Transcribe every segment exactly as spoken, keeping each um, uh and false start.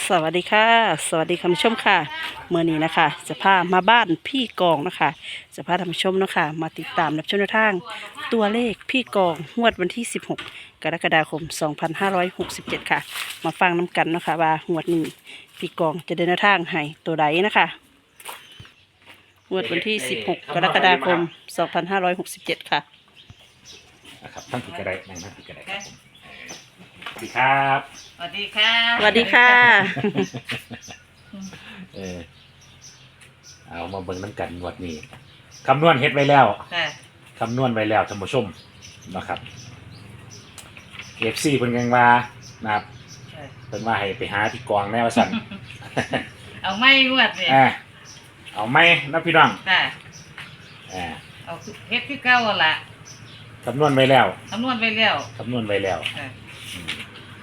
สวัสดีค่ะสวัสดีคุณผู้ชมค่ะเมื่อนี้นะคะจะพามาบ้านพี่กองนะคะจะพาท่านผู้ชมนะคะมาติดตามรับชมแนวทางตัวเลขพี่กองงวดวันที่สิบหกกรกฎาคมสองพันห้าร้อยหกสิบเจ็ดค่ะมาฟังน้ำกันนะคะว่างวดนี้พี่กองจะเดินแนวทางให้ตัวใดนะคะงวดวันที่สิบหกกรกฎาคมสองพันห้าร้อยหกสิบเจ็ดค่ะนะครับท่านผิดกระไดนั่งท่านผิดกระไดครับผมสวัสดีครับสวัสดีค่ะสวัสดีค่ะเออเอามาเบิ่งน้ำกันงวดนี้คำนวณเฮ็ดไว้แล้วค่ะคำนวณไว้แล้วท่านผู้ชมนะครับเอฟซีเพิ่นยังว่านะครับเพิ่นว่าให้ไปหาที่กองแนวสั่นเอาไม่งวดเนี่ยอ่าเอาไหมนะพี่น้องค่ะอ่าเอาเฮ็ดที่เก้าละคำนวณไว้แล้วคำนวณไปแล้วคำนวณไว้แล้วค่ะอืม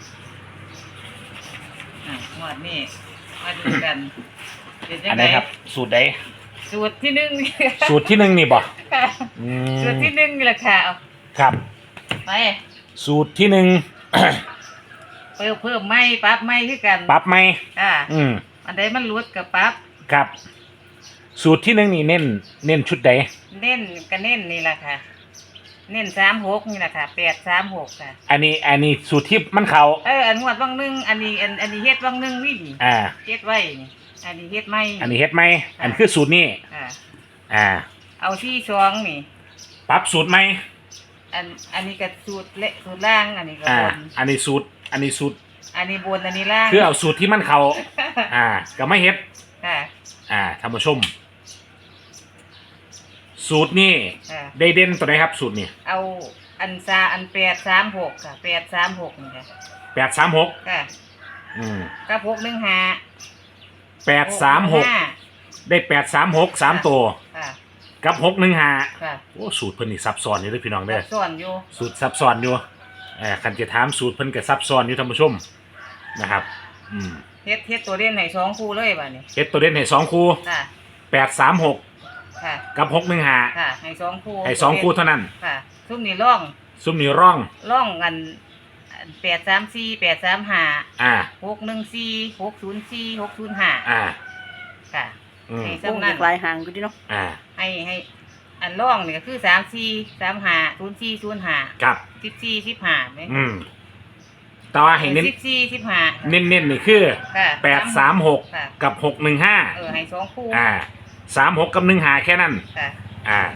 อ่ะงวดนี้มาดูกันเป็นยัอันงไหไงนครับ สูตรใดสูตรที่หนึ่งสูตรที่หนึ่งนี่บ่ค่ะอืสูตรมที่หนึ่งนี่แหละค่ะเอาครับไปสูตรที่หนึ่งเพิ่มเพิ่มไม่ปรั๊บไม่คือกันปรับไหมค่ะอืมอันใดมันรุดกับปรั๊บครับ สูตรที่หนึ่งนี่เน้น เน้นชุดใดเน้นก็เน้นนี่แหละค่ะ เน้นสามหกนี่แหละค่ะแปดสามหกค่ะอันนี้ อันนี้สูตรที่มันเขาเอออันงวดบางหนึงอันนี้อันอันนี้เฮ็ดบางหนึงนี่ดิอ่าเฮ็ดไว้นี่อันนี้เฮ็ดไม่อันนี้เฮ็ดไหม อันคือสูตรนี้อ่าอ่าเอาที่สองนี่ปรับสูตรไหมอันอันนี้ก็สูตรเละสูตรล่างอันนี้ก็อ่าบนอันนี้สูตร อันนี้สูตรอันนี้บนอันนี้ล่างคือเอาสูตรที่มันเขา อ่า ก็ไม่เฮ็ดค่ะอ่าท่านผู้ชม สูตรนี้ค่ะได้เด่นตัวไหนครับ สูตรนี้เอาอันซาอันแปดสามหกค่ะแปดสามหกนี่ค่ะแปดสามหกค่ะอืมกับหกหนึ่งห้าแปดสามหก ได้แปดสามหกสามตัวค่ะกับหกหนึ่งห้าค่ะโอ้สูตรเพิ่นนี่ซับซ้อนอยู่เด้อพี่น้องเด้อส่วนอยู่สูตรซับซ้อนอยู่เอ่อคันจะถามสูตรเพิ่นก็ซับซ้อนอยู่ท่านผู้ชมนะครับ อืมเฮ็ดเฮ็ดตัวเล่นให้สองคู่เลยบัดนี้เฮ็ดตัวเด่นให้สองคู่ค่ะแปดสามหกค่ะกับหกหนึ่งห้าค่ะให้สองคู่ให้สองคู่เท่านั้นค่ะซุ่มนี่ร่องซุ่มนี่ร่องร่องกันแปดสามสี่แปดสามห้าอ่าหกหนึ่งสี่หกศูนย์สี่หกศูนย์ห้าอ่าค่ะอืมให้วงซ้ำเล็นั่กนลายหางก็ดีเนาะอ่าให้ให้อันร่องนี่ก็คือสามสี่สามห้าศูนย์สี่ศูนย์ห้าครับสิบสี่สิบห้าไหมอืมแต่ว่าให้เน้นสิบสี่สิบห้าเน้นเน้นนี่คือค่ะแปดสามหกค่ะกับหกหนึ่งห้าเออให้สองคู่อ่าสามหกกับหนึ่งห้าแค่นั้นค่ะอ่า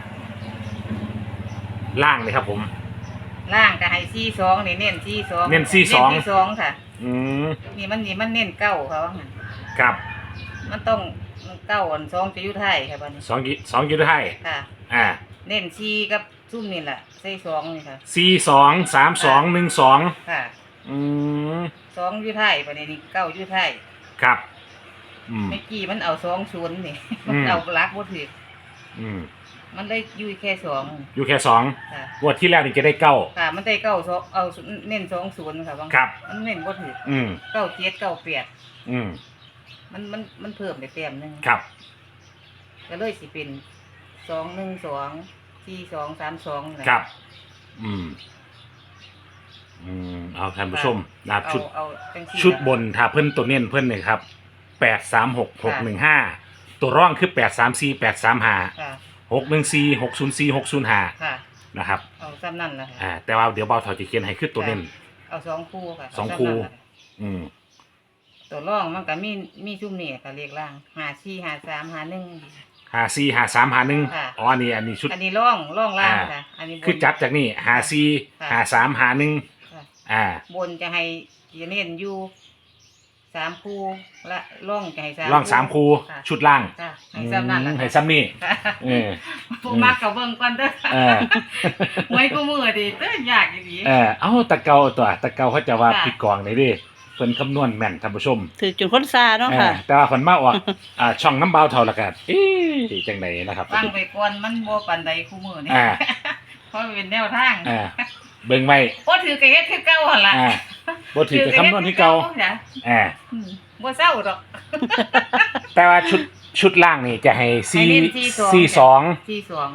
ล่างเลยครับผมล่างก็ให้สี่สองนี่เน้นสี่สองเน้นสี่สองเน้นสี่สองค่ะอืมนี่มันนี่มันเน้นเก้าเขาว่างั้นครับมันต้องมันเก้าอันสองจะอยุไทยค่ะบัดนี้สองกิสองกิโลไทยค่ะอ่าเน้นสี่กับซุ่มนี่แหละใส่สองนี่ค่ะสี่สองสามสองหนึ่งสองค่ะอืมสองอยุไทยบัดนี้นี่เก้าอยุไทยครับ อืมเมื่อกี้มันเอาสองศูนย์นี่อืมมันเอาลักบ่ถืออืมมันได้อยู่แค่สองอยู่แค่สองค่ะงวดที่แล้วนี่จะได้เก้าค่ะมันได้เก้าสองเอาเน้นสองศูนย์ค่ะบางครับมันเน้นบ่ถืออืมเก้าเจ็ดเก้าแปดอืมมันมันมันเพิ่มได้แต้มหนึงครับก็เลยสิเป็นสองหนึ่งสองสี่สองสามสองนี่แหละครับ อืม อืม เอาท่านผู้ชมนะครับเอาชุดเอาจังซี่ชุดบนถ้าเพิ่นตัวเน้นเพิ่นเนี่ยครับแปดสามหกหกหนึ่งห้าตัวร่องคือแปดสามสี่แปดสามห้าค่ะหกหนึ่งสี่หกศูนย์สี่หกศูนย์ห้าค่ะนะครับเอาซ้ำนั่นแหละค่ะอ่า แต่ว่าเดี๋ยวเบาเถาจะเขียนให้คือตัวเน้นเอาสองคู่ค่ะสองเาซ้ำคู่นั่นแหละอืมตัวร่องมันก็มีมีชุ่มนี่ค่ะเรียกล่างหาสี่หาสามหาหนึ่งห้าสี่ห้าสามห้าหนึ่งค่ะอ๋ออันนี้อันนี้ชุดอันนี้ร่องร่องล่างอ่าค่ะ อันนี้บนคือจับจากนี่ห้าสี่ค่ะห้าสามห้าหนึ่งค่ะอ่าบนจะให้จะเน้นอยู่สามคู่และร่องจะให้สามร่องสามคูค่ะชุดล่างค่ะให้ซ้ำนั่นแหละอืมให้ซ้ำนี่ค่ะเออผู้มักกับเบิ่งก่อนเด้อเออหวยกูมือดิเต้อยากอีหลีเออเอ้าตะเกาตัวตะเกาเขาจะว่าค่ะผิดกองเลยดิเพิ่นคำนวณแม่นท่านผู้ชมถือจนคนซาเนาะเอค่ะอแต่ว่าเพิ่นมาออก อ่าช่องน้ำเบาเท่าละกันเอ๊ะจังไดนะครับฟังไปก่อนมันบ่ปานใดคู่มือนี่อ่าเพราะมันเป็นแนวทางอ่าเบิ่งไว้บ่ถือกะเฮ็ดคือเก่าหั่นล่ะอ่าบ่ถือจะคำนวณที่เก่าจ้ะอ่าอืมบ่เศร้าดอกแต่ว่าชุดชุดล่างนี่จะให้ให้สี่เน้นสี่สองสี่สองที่สอง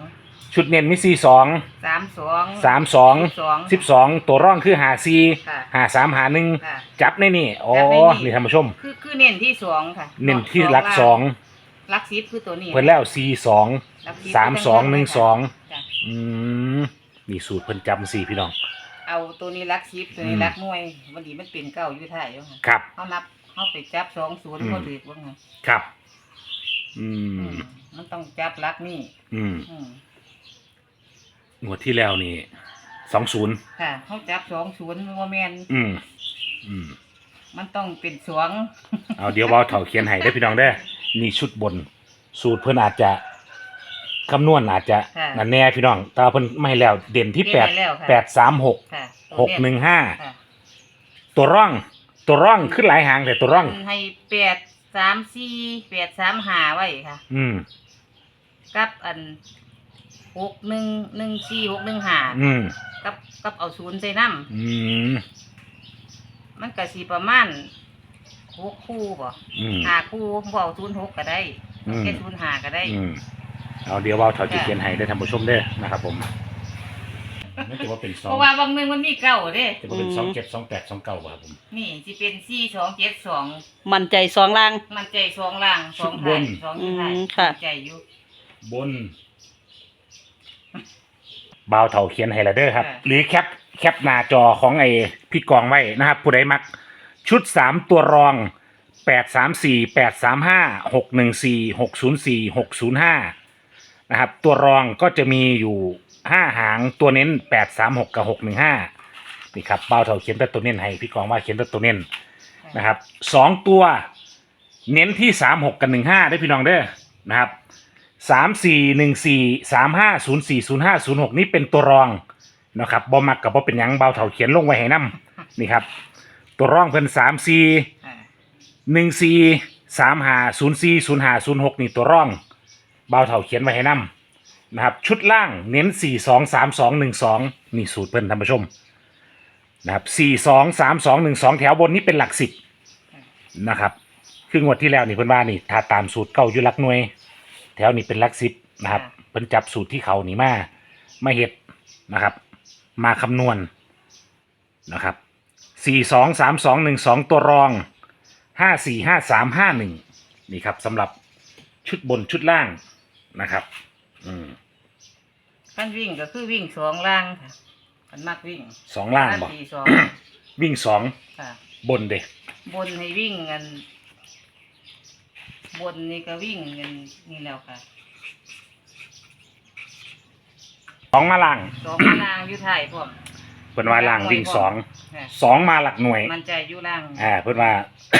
ชุดเน้นมีสี่สองสามสองสามสองสองสิบสองตัวร่องคือหาสี่ค่ะหาสามหาหนึ่งค่ะจับในนี่อ๋อจับในนี่นี่ท่านผู้ชมคือคือเน้นที่สองค่ะเน้นที่หลักสองหลักสิบคือตัวนี้เพิ่นแล้วสี่สองหลักบสามสองหนึ่งสองจ้ะอืมนี่สูตรเพิ่นจำสี่พี่น้องเอาตัวนี้หลักสิบตัวนี้อืมหลักหน่วยวันนี้มันเป็นเก้าอยู่ท้ายอยู่ค่ะครับเขานับเขาไปจับสองศูนย์อืมเขาถือว่าไงครับ อือืมมมันต้องจับหลักนี่อืมอืมงวดที่แล้วนี่สองศูนย์ค่ะเขาจับสองศูนย์โมเมนอืมอืมมันต้องเป็นสวงเอาเดี๋ยวเบาเถาเขียนให้ได้อพี่น้องได้อนี่ชุดบน สูตรเพิ่นอาจจะคำนวณอาจจะค่ะนั่นแน่พี่น้องแต่ว่าเพิ่นไม่ให้แล้วเด่นที่เด่นแปดให้แล้วค่ะแปดสามหกค่ะหกหนึ่งห้าค่ะตัวร่อง ตัวร่องขึ้นหลายหางแต่ตัวร่องให้แปดสามสี่แปดสามหาไว้ค่ะอืมกับอันหกหนึ่งหนึ่งสี่หกหนึ่งหาอืมกับกับเอาศูนย์ใส่น้อืมำมันก็สีประมาณหกคู่บ่อืมหาคู่บ่เอาศูนย์หกก็ได้อืมแค่ศูนย์หาก็ได้อืมเอาเดี๋ยวเบาเถาจะเขียนให้ได้อท่านผู้ชมเด้อนะครับผมไม่ถือว่าเป็นสอเพงราะว่าบางหนึงมันมีเก้าเด้จะเป็นสองเจ็ดสองแปดสองเก้าครับผมนี่สิเป็นสี่สองเจ็ดสองมั่นใจสองล่างมันใจสองล่างสองท้ายสองท้ายอืมค่ะใจอยู่บนเบาเถาเขียนให้และเด้อครับค่ะหรือแคปแคปหน้าจอของไอ้พี่กองไว้นะครับ ผู้ใดมักชุดสามตัวรองแปดสามสี่แปดสามห้าหกหนึ่งสี่หกศูนย์สี่หกศูนย์ห้านะครับ ตัวรองก็จะมีอยู่ห้าหางตัวเน้นแปดสามหกกับหกหนึ่งห้านี่ครับเบาเถาเขียนแต่ตัวเน้นให้พี่กองว่าเขียนแต่ตัวเน้นนะครับสองตัวเน้นที่สามหกกับหนึ่งห้าได้พี่น้องเด้อนะครับสามสี่หนึ่งสี่สามห้าศูนย์สี่ศูนย์ห้าศูนย์หกนี่เป็นตัวรองนะครับบอมักกับบ่เป็นหยังเบาเถาเขียนลงไว้ให้นํนี่ครับตัวรองเพิ่นสามสี่อ่าหนึ่งสี่สามห้าศูนย์สี่ศูนย์ห้าศูนย์หกนี่ตัวร่องเบาเถาเขียนไว้ให้นํนะครับชุดล่างเน้นสี่สองสามสองหนึ่งสองนี่สูตรเพิ่นท่านผู้ชมนะครับสี่สองสามสองหนึ่งสองแถวบนนี้เป็นหลักสิบนะครับคืองวดที่แล้วนี่เพิ่นว่านี่ถ้าตามสูตรเก้าอยู่หลักหน่วย แถวนี้เป็นหลักสิบนะครับเพิ่นจับสูตรที่เขานี่มามาเฮ็ดนะครับ มาคำนวณนะครับสี่สองสามสองหนึ่งสองตัวรองห้าสี่ห้าสามห้าหนึ่งนี่ครับสำหรับชุดบนชุดล่างนะครับอืมขั้นวิ่งก็คือวิ่งสองล่างค่ะมันมักวิ่งสองล่างบ่สี่สองวิ่งสองค่ะบนเด้บนให้วิ่งกัน บนนี่ก็วิ่งกันนี่แล้วค่ะสองมาล่างสองมาล่างอยู่ท้ายพร้อมเพิ่นว่าล่างวิ่งสองค่ะสองมาหลักหน่วยมันใจอยู่ล่างอ่าเพิ่นว่า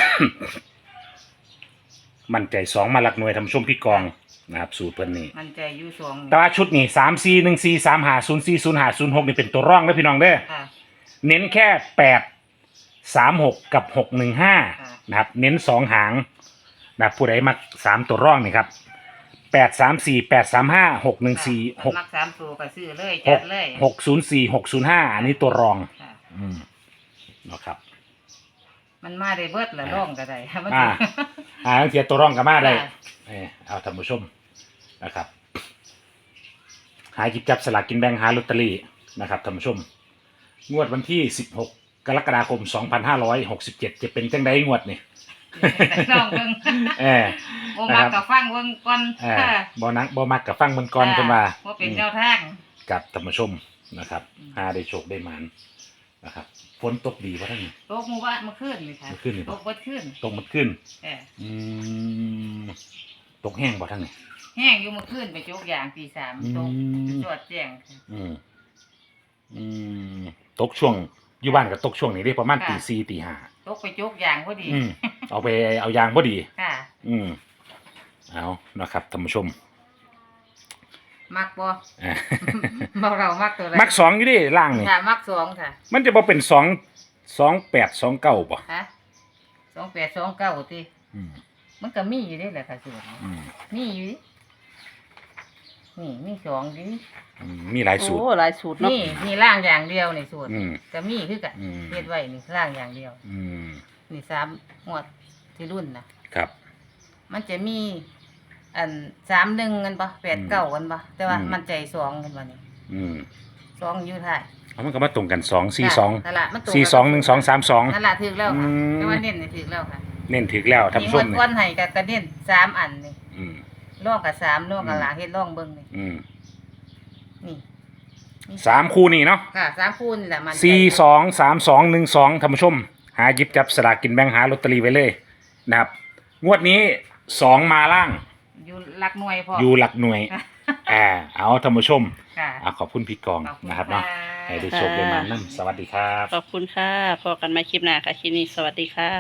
มั่นใจสองมาหลักหน่วยทำช่วงพี่กองนะครับสูตรเพิ่นนี่มันใจอยู่สองแต่ว่าชุดนี้สามสี่หนึ่งสี่สามห้าศูนย์สี่ศูนย์ห้าศูนย์หกนี่เป็นตัวร่องเด้อพี่น้องเด้อค่ะเน้นแค่แปดสามหกกับหกหนึ่งห้าค่ะนะครับ เน้นสองหางนะครับผู้ใดมักสามตัวร่องนี่ครับแปดสามสี่แปดสามห้าหกหนึ่งสี่หกมักสามตัวก็ซื้อเลยหจักดเลยหกศูนย์สี่หกศูนย์ห้าอันนี้ตัวรองค่ะอืมนะครับมันมาได้เบิดละร่องก็ได้มันอ่า อ่าเทียตัวร่องกับมาได้ค่ะเออเอาท่านผู้ชมนะครับ หาหยิบจับสลากกินแบ่งหาลอตเตอรี่นะครับท่านผู้ชม งวดวันที่สิบหกกรกฎาคมสองพันห้าร้อยหกสิบเจ็ดจะเป็นจังไดงวดนี่ลองเบิ่งเออโอ้มากับฟังเบิ่งก่อนเออค่ะบ่นักบ่มักกับฟังมันก่อนเพิ่นว่าว่าเป็นแนวทางกับท่านผู้ชมนะครับอืมหาได้โชคได้หมานนะครับฝนตกดีบ่ท่านนี่โต๊ะหมู่บ้านเมื่อคืนนี่ค่ะเมื่อคืนนี่บ่โต๊ะเบิดคืนตกมันขึ้นเอออืมตกแห้งบ่ท่านนี่แห้งอยู่เมื่อคืนไปโจกยางตีสามอืมโต๊ะจวดแจ้งค่ะอืมอืมตกช่วงอยู่บ้านก็ตกช่วงนี้ได้ประมาณค่ะตีสี่ตีห้าโต๊ะไปโจกยางพอดีอืมเอาไปเอายางพอดีค่ะอืมเอานะครับท่านผู้ชมมักบ่อ่าเบาเรามักตัวไรมักสองอยู่ดิล่างนี่ค่ะมักสองค่ะมันจะบ่เป็นสองสองแปดสองเก้าป่ะฮะสองแปดสองเก้าทีอืมมันก็มีอยู่นี่แหละค่ะส่วนอืมมีอยู่ดินี่มีสองดิอืมมีหลายสูตรโอ้หลายสูตรเนาะนี่นี่ล่างอย่างเดียวในส่วนอืมก็มีคือกันอืมเฮ็ดไว้นี่ล่างอย่างเดียวอืมนี่สามหมวดที่รุ่นนะครับ มันจะมีอันสามหนึ่งกันปะแปดเก้ากันปะแต่ว่าอืมมันใจสองกันปะนี่อืมสองอยู่ท้ายเอามันก็มาตรงกันสองสี่สองนั่นล่ะมันตรงสี่สองหนึ่งสองสามสองนั่นล่ะถึกแล้วค่ะอืมแต่ว่าเน้นนี่ถึกแล้วค่ะเน้นถึกแล้วท่านมีผู้งชวมดนี่ก้อนให้กับกระเน้นสามอันนี่อืมล่องกับสามล่องกับอืมหลังเฮ็ดล่องเบิ่งนี่อืมนี่นี่สามคู่นี่เนาะค่ะสามคูณนี่แหละมันใจสี่สองสามสองหนึ่งสองท่านผู้ชม หาหยิบจับสลากกินแบ่งหาลอตเตอรี่ไว้เลยนะครับ งวดนี้สองมาล่างอยู่หลักหน่วยพออยู่หลักหน่วย อ่า เอาท่านผู้ชมค่ะอ่าขอบคุณพี่กองขอบคุณนะครับเนาะค่ะให้ได้โชคได้มานั่สวัสดีครับขอบคุณค่ะพอกันใหมาคลิปหน้าค่ะคลิปนี้สวัสดีค่ะ